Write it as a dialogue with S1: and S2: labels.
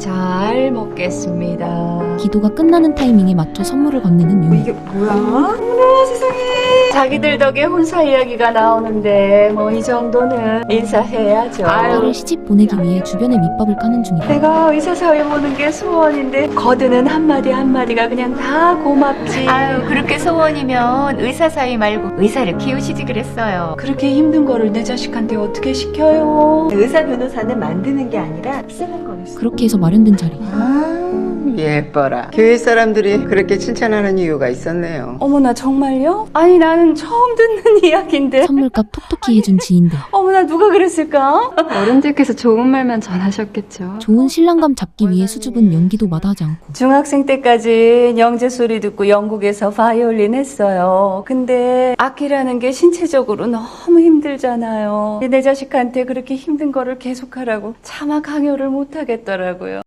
S1: 잘 먹겠습니다.
S2: 기도가 끝나는 타이밍에 맞춰 선물을 건네는 윤희.
S1: 이게 뭐야? 어머나 세상에. 자기들 덕에 혼사 이야기가 나오는데 뭐 이 정도는 인사해야죠.
S2: 딸을 시집 보내기 위해 주변에 밑밥을 까는 중이다.
S1: 내가 의사 사회 보는 게 소원인데 거드는 한마디 한마디가 그냥 다 고맙지.
S3: 아유, 그렇게 소원이면 의사 사위 말고 의사를 키우시지 그랬어요.
S1: 그렇게 힘든 거를 내 자식한테 어떻게 시켜요?
S4: 의사 변호사는 만드는 게 아니라 쓰는 거였어.
S2: 그렇게 해서 마련된 자리.
S5: 예뻐라. 교회 사람들이 그렇게 칭찬하는 이유가 있었네요.
S1: 어머나 정말요? 아니 나는 처음 듣는 이야기인데.
S2: 선물값 톡톡히 해준 지인들.
S1: 어머나 누가 그랬을까?
S6: 어른들께서 좋은 말만 전하셨겠죠.
S2: 좋은 신랑감 잡기 위해 수줍은 연기도 마다하지 않고.
S1: 중학생 때까지 영재 소리 듣고 영국에서 바이올린 했어요. 근데 악기라는 게 신체적으로 너무 힘들잖아요. 내 자식한테 그렇게 힘든 거를 계속하라고 차마 강요를 못 하겠더라고요.